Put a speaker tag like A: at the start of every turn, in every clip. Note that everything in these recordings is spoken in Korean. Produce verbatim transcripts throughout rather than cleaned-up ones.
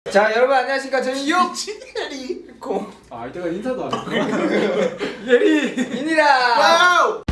A: 자 여러분 안녕하십니까. 저는 육예리 공.
B: 아 이때가 인사도 안 했구나. 예리입니다.
A: 와우.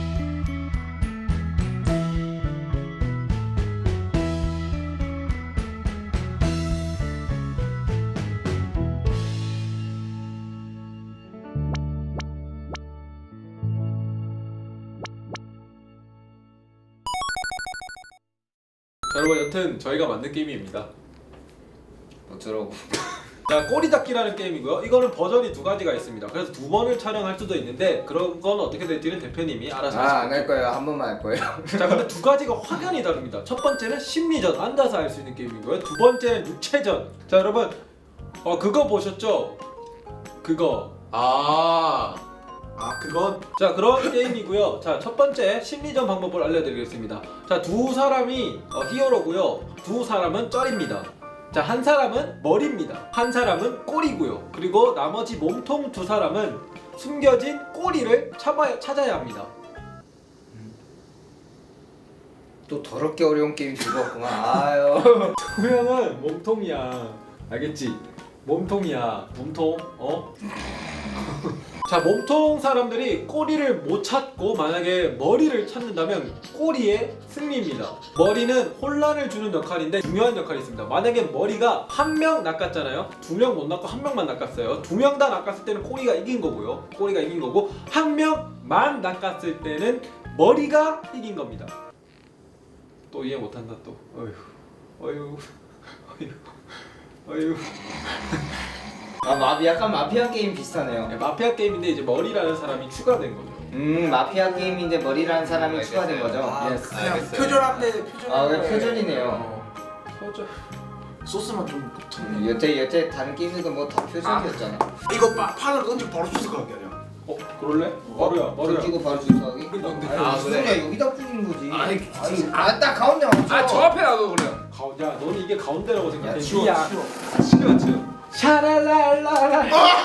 B: 자, 여러분 여튼 저희가 만든 게임입니다.
A: 어쩌라고.
B: 자, 꼬리 잡기라는 게임이고요. 이거는 버전이 두 가지가 있습니다. 그래서 두 번을 촬영할 수도 있는데 그런 건 어떻게 될지는 대표님이 알아서 하시고.
A: 아 안 할 거예요. 한 번만 할 거예요.
B: 자, 근데 두 가지가 확연히 다릅니다. 첫 번째는 심리전, 앉아서 할 수 있는 게임이고요. 두 번째는 육체전. 자, 여러분 어 그거 보셨죠? 그거.
C: 아, 아 그건
B: 자, 그런 게임이고요. 자, 첫 번째 심리전 방법을 알려드리겠습니다. 자, 두 사람이 어, 히어로고요. 두 사람은 쩔입니다. 자, 한 사람은 머리입니다. 한 사람은 꼬리고요. 그리고 나머지 몸통 두 사람은 숨겨진 꼬리를 찾아야, 찾아야 합니다.
A: 또 더럽게 어려운 게임 들고 왔구만. 아유.
B: 두 명은 몸통이야. 알겠지? 몸통이야. 몸통. 어? 자, 몸통 사람들이 꼬리를 못 찾고 만약에 머리를 찾는다면 꼬리의 승리입니다. 머리는 혼란을 주는 역할인데 중요한 역할이 있습니다. 만약에 머리가 한 명 낚았잖아요. 두 명 못 낚고 한 명만 낚았어요. 두 명 다 낚았을 때는 꼬리가 이긴 거고요. 꼬리가 이긴 거고 한 명만 낚았을 때는 머리가 이긴 겁니다. 또 이해 못한다 또. 어휴, 어휴, 어휴, 어휴.
A: 아 마비 약간 마피아 게임 비슷하네요.
B: 네, 마피아 게임인데 이제 머리라는 사람이 추가된 거죠.
A: 음 마피아 게임인데 머리라는 사람이
C: 알겠어요.
A: 추가된 거죠.
C: 아,
A: 예스.
C: 그냥
D: 알겠어요.
C: 표절한데 표절.
A: 아 왜 표절이네요.
B: 서져.
C: 소스만 좀 붙였네.
A: 음, 여태 여태 다른 게임들도 뭐 다 표절이었잖아.
D: 이거 파, 판을 던지고 바로 주스 가게 아니야?
B: 어, 그럴래? 머리야, 머리야.
A: 던지고 바로 주사하기?
C: 아,
A: 무슨
C: 그래.
A: 소리야 여기다 뿌리는 거지.
C: 아니,
A: 아니 아딱 가운데 맞춰.
C: 아, 저 앞에 놔둬 그래.
B: 가, 야, 너는 이게 가운데라고 생각해.
A: 야, 치워,
B: 야,
A: 치워.
B: 치워, 치워. 샤랄랄라라.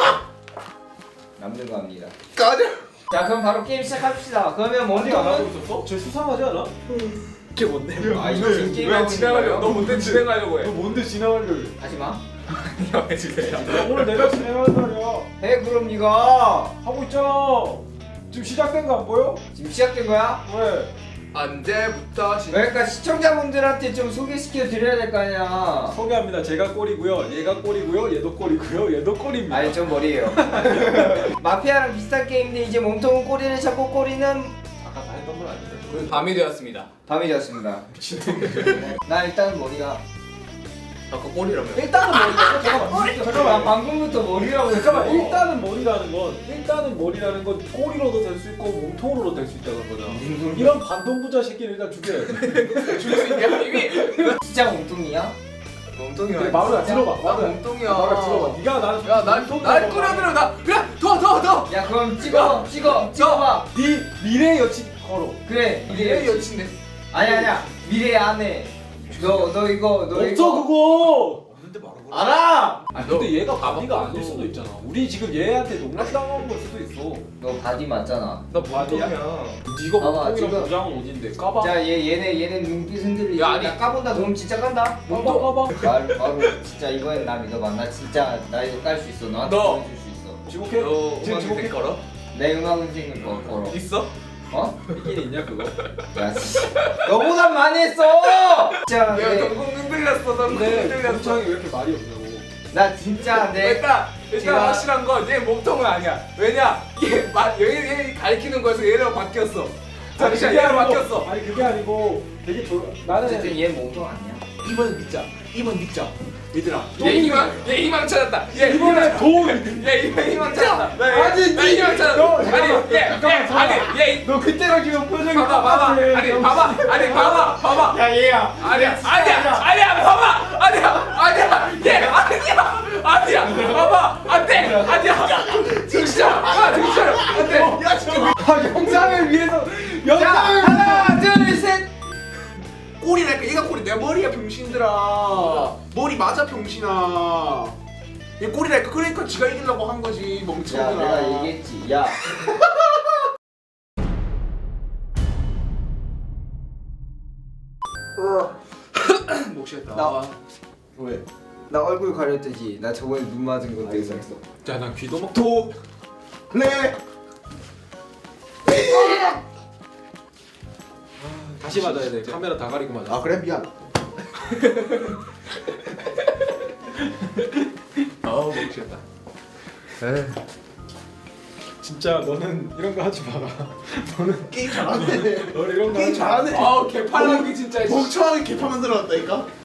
A: 남는 거 합니다.
D: 까지.
A: 자 그럼 바로 게임 시작합시다. 그러면
B: 아직 안 하고
A: 먼저
B: 있었어? 쟤 수상하지 않아?
C: 이게 뭔데?
A: 아 이거 지금 게임
C: 왜
A: 하고 있는
C: 진행하려?
A: 거예요?
C: 너 뭔데 진행하려고
B: 너
C: 해?
B: 뭔데 진행하려?
A: 하지 마.
C: 왜 진행해?
B: 오늘 내가 진행하는 날이야.
A: 해 그럼 네가
B: 하고 있잖아. 지금 시작된 거 안 보여?
A: 지금 시작된 거야?
B: 왜?
C: 언제부터 시?
A: 그러니까 시청자분들한테 좀 소개시켜 드려야 될 거 아니야.
B: 소개합니다. 제가 꼬리고요. 얘가 꼬리고요. 얘도 꼬리고요. 얘도 꼬리입니다.
A: 아니 전 머리예요. 마피아랑 비슷한 게임인데 이제 몸통은 꼬리를 잡고 꼬리는
B: 아까 다 했던 건 아닌데.
C: 밤이 되었습니다.
A: 밤이 되었습니다. 나 일단 머리가
C: 아까 꼬리라며.
B: 일단은 머리라고. 잠깐만.
A: 나
B: 잠깐만.
A: 방금부터 머리라고
B: 잠깐만.
A: 했어.
B: 일단은 머리라는 건 일단은 머리라는 건 꼬리로도 될 수 있고 몸통으로도 될 수 있다는 거잖아.
A: 무슨 소리야?
B: 이런 반동부자 새끼를 일단 죽여야 돼.
C: 줄 수 있냐 이미?
A: 진짜 몸통이야?
C: 몸통이야.
B: 그래, 마루야 들어봐.
C: 나
B: 마루야.
C: 몸통이야.
B: 마루야 들어봐. 네가 날
C: 야날날 끌어들여 나. 그래 더더 더.
A: 야 그럼 찍어 찍어 찍어봐.
B: 네 미래 여친 걸어.
A: 그래
C: 얘
A: 미래
C: 여친데.
A: 아니 아니야 미래 안에 너 너 이거 너
B: 없어
A: 이거
B: 그거.
D: 없는데 말하고.
A: 알아.
B: 아 근데 얘가
C: 다
B: 바디가
C: 바꿔서.
B: 아닐 수도 있잖아. 우리 지금 얘한테 농락당한 걸 수도 있어.
A: 너 바디 맞잖아.
C: 나 몸통이야.
B: 네가
A: 봐봐,
B: 몸통이랑
A: 지금.
B: 부장은 어딘데? 까봐.
A: 자 얘 얘네 얘네 눈빛 흔들리지.
C: 야, 아니.
A: 나 까본다. 그럼 진짜 깐다.
B: 까봐 까봐.
A: 바로 바로 진짜 이거는 나 믿어봐. 나 진짜 나 이거 깔 수 있어. 너한테
C: 너.
A: 보여줄 수 있어.
B: 지목해.
C: 너
B: 지금
C: 음악
B: 지목해.
C: 밑에 걸어?
A: 내 음악 인생을 거 걸어.
C: 있어?
A: 어?
B: 있긴 있냐 그거?
A: 야 씨. 너보다 많이 했어. 진짜
C: 내가
A: 내,
C: 동공 흔들렸어. 동공
B: 근데
C: 흔들렸어.
B: 동창이 왜 이렇게 말이 없냐고.
A: 나 진짜 내
C: 일단 일단
A: 제가-
C: 확실한 건 얘 몸통은 아니야. 왜냐? 얘 마, 얘, 얘 가리키는 거에서 얘랑 바뀌었어. 잠시만 얘랑 바뀌었어.
B: 아니 그게 아니고 되게 조... 나는
A: 어쨌든 얘 몸통 아니야.
D: 이번 믿자. 이번 믿자. 얘들아.
C: 얘 희망 얘 희망 찾았다. 얘
B: 이번에
C: 희망
B: 도움이
C: 얘 희망 희망 찾았다. 나
B: 아니,
C: 얘, 나
B: 니-
C: 희망 찾았다.
B: 너,
C: 아니
B: 잠깐만,
C: 얘, 얘
B: 잠깐만, 잠깐만.
C: 아니 얘
B: 너 그때랑 지금 표정이
C: 봐봐 봐봐
B: 똑같아.
C: 아니 봐봐 아니 봐봐 봐봐
A: 야 얘야.
C: 아니야 아니야 아니야 봐봐 아니야 아니야 얘 아니야 아니야 봐봐 안돼 아니야 진짜 아 진짜 안돼
D: 야 진짜.
B: 아, 영상을 위해서
A: 자
B: 영상을
A: 하나 둘 셋.
D: 꼬리랄까 얘가 꼬리. 내 머리야 병신들아. 머리 맞아 병신아. 얘 꼬리랄까. 그러니까 지가 이기려고 한 거지
A: 야
D: 멍청들아.
A: 내가 얘기했지. 야.
D: 목 쉬었다.
A: 나-
D: 왜?
A: 나 얼굴 가렸듯이. 나 저번에 눈 맞은 것도 있었어.
B: 자, 난 귀도 막
D: 도 레.
B: 다시 맞아야 돼. 카메라 다 가리고 맞아.
D: 아 그래 미안.
C: 어우 미치겠다.
B: 진짜 너는 이런 거 하지 마라. 너는
D: 게임 잘하네.
B: 너는 이런 거
D: 게임
B: 하지 마.
D: 잘하네.
C: 아우 개팔랑기 진짜.
D: 멍청하게 개파 만들어놨다니까.